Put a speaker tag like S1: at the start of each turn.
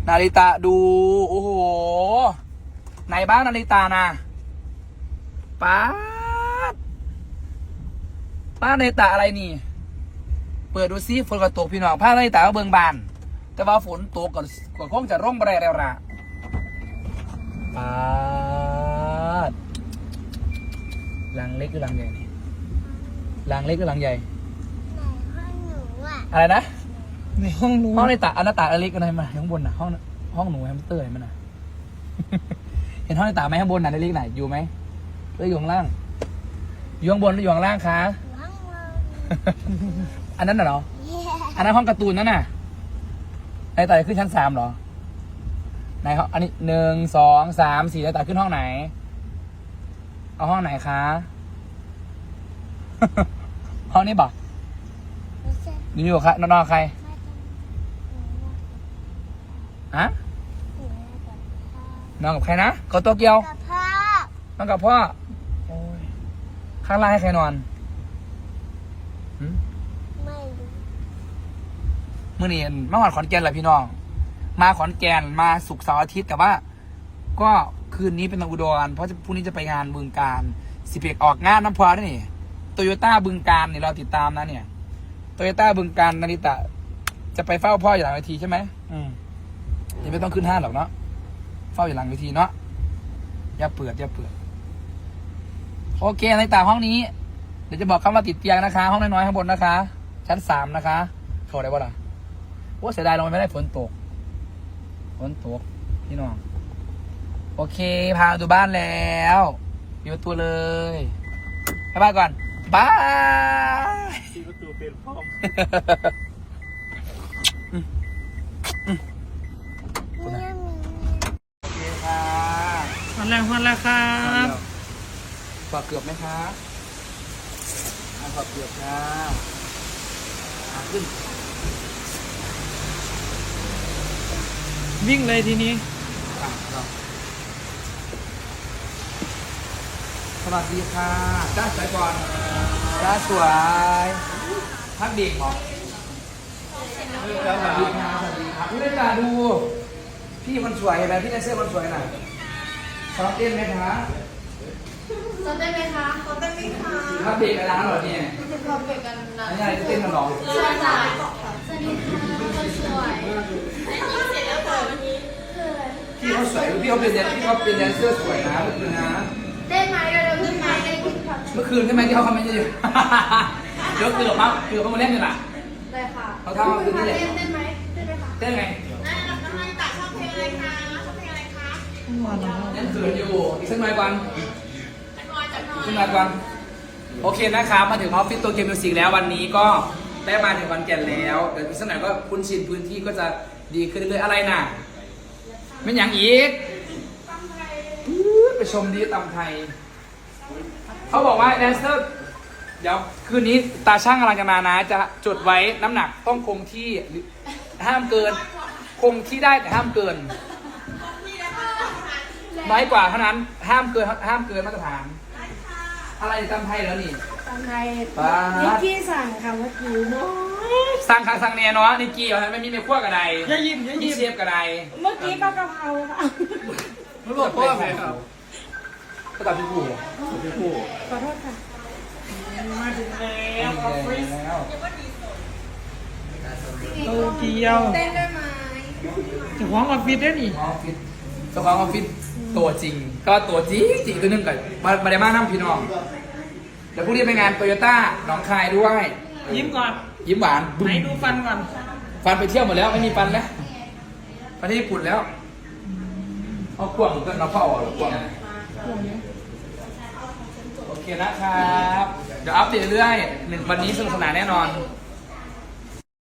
S1: นาริตะดูโอ้โหไหนบ้างนาริตะนะป้านาริตะอะไรนี่เปิดดูซิฝนก็ตกพี่น้องผ้านาริตะก็เบิ่งบานแต่ว่าฝนตกก่อนคงจะร่มแรงแล้วละป้าลังเล็กหรือลังใหญ่นี่ลังเล็กหรือลังใหญ่อะไรนะ
S2: ในห้องหนู
S1: ห้องในตาอันนาตาเล็กอะไรมาข้างบนน่ะห้องหนูแฮมสเตอร์เห็นไหมน่ะ เห็นห้องในตาไหมข้างบนน่ะเล็กไหนอยู่ไหมหรืออยู่ข้างล่างอยู่ข้างบนหรืออยู่ข้างล่างคะอันนั้นน่ะเหรออันนั้นห้องการ์ตูนนั่นน่ะในตาขึ้นชั้น3เหรอไหนเขาอันนี้1 2 3 4ในตาขึ้นห้องไหนเอาห้องไหนคะห้องนี้บอกอยู่กับใครนอนใครฮะนอนกับใครนะกับโตเกียวนอนกับพ่อโอ้ยข้างล่างให้ใครนอน
S3: ไม่รู้
S1: มื่อนี้มาขอนแก่นแหละพี่น้องมาขอนแก่นมาศุกร์เสาร์อาทิตย์แต่ว่าก็คืนนี้เป็นอุดรเพราะพรุ่งนี้จะไปงานบึงการ11ออกงานน้ำพอได้นี่โตโยต้าบึงการเนี่ยเราติดตามนะเนี่ยโตโยต้าบึงการนาริตะจะไปเฝ้าพ่ออยู่หลังเวทีใช่ไหมยังไม่ต้องขึ้นห้างหรอกเนาะเฝ้าอยู่หลังเวทีเนาะอย่าเปิดโอเคนาริตะห้องนี้เดี๋ยวจะบอกคำว่าติดเตียงนะคะห้องน้อยๆข้างบนนะคะชั้น3นะคะเข้าได้ป่ะล่ะว่าเสียดายเราไม่ได้ฝนตกพี่น้องโอเคพาดูบ้านแล้วอยู่ประตูเลยไปบ้านก่อนบาย
S2: ที่ประตูเป็นพร้อม
S1: โอเคค่ะ
S2: วันแรกครับ
S1: ขอเกือบไหมคะขอเกือบค่ะขึ้น
S2: วิ่งเลยทีนี้
S1: สวัสดีค่ะจ้าสวยก่อนจ้าสวยพักเด็กเหรอสวัสดีครับพี่ได้ตาดูพี่คนสวยเห็นไหมพี่แดนเซอร์คนสวยน่ะซ้อมเต้นไหมคะ
S3: ซ้อมได้ไหมคะซ้อมได้ไหมคะ
S1: พักเด็กกันแล้วเหรอเนี่ย
S3: ซ้อมเด็กกันนะ
S1: อันนี้อะไรจะเต้นกันหรอ
S3: สวัสดีค่ะสวัสดีค่ะคนสวยเสร็จแล้วค่ะวันนี้
S1: พี่เขาสวยพี่เขาเป็นแดนเซอร์สวยนะเมื่อคืนนะ
S3: ได้ไหมเราได้ไหมได้คุณค่ะ
S1: เมื่อคืนใช่ไหมที่เขาคอมเมนต์อยู่เดี๋ยวเกือบเขามาเล่นกันล่ะ
S3: ได้ค่ะ
S1: เขาทำมาคืนนี้แหละ
S3: ได้ไหมได้ไหมคะ
S1: เต้นไง
S3: น้ำมันตัดชอบเพลงอะไรคะชอบเพลงอะไรคะ
S1: เล่นเขินอยู่อีกสักหน่อยก่อนโอเคนะครับมาถึงออฟฟิศตัวเกมมิวสิกแล้ววันนี้ก็ได้มาถึงวันแก่นแล้วเดี๋ยวอีกสักหน่อยก็คุ้นชินพื้นที่ก็จะดีขึ้นเรื่อยๆอะไรน่ะไม่อย่างอีกไปชมดีตำไทยเขาบอกว่าแดนเซอร์เดี๋ยวคืนนี้ตาช่างกำลังจะมานะจะจดไว้น้ำหนักต้องคงที่ห้ามเกินคงที่ได้แต่ห้ามเกินน้อยกว่าเท่านั้นห้ามเกินมาตรฐานอะไรตำไทยแล้วนี่
S3: ตำไทยนิกกี้สั่งค่ะเมื่อกี้น้อย
S1: สั่งเนี่ยเนาะนิกกี้ไม่มีในขั้วกระไดมีเชฟกระได
S3: เมื่อกี้ก็กะเพราค่ะ
S1: รู้หมดพ่อไหมครับก็ตัดพี่ผู้
S3: ขอโทษค่ะ
S2: มาถึงแล้วออฟฟิศโตเกียว
S3: เต้นได้ไหม
S2: จะฟ้องออฟฟิศได้หนิ
S1: เจ้าของออฟฟิศตัวจริงก็ตัวจริงตัวนึงกันมาได้มากน้ำพี่น้องเดี๋ยวพรุ่งนี้ไปงานโตโยต้าหนองคายด้วย
S2: ยิ้มก่อน
S1: ยิ้มหวาน
S2: ไหนดูฟันก่อน
S1: ฟันไปเที่ยวหมดแล้วไม่มีฟันแล้วประเทศญี่ปุ่นแล้วเอากวางก็เราเข้าออกกวางโอเคนะครับเดี๋ยวอัปเดตเรื่อย1วันนี้สนุกสนานแน่นอน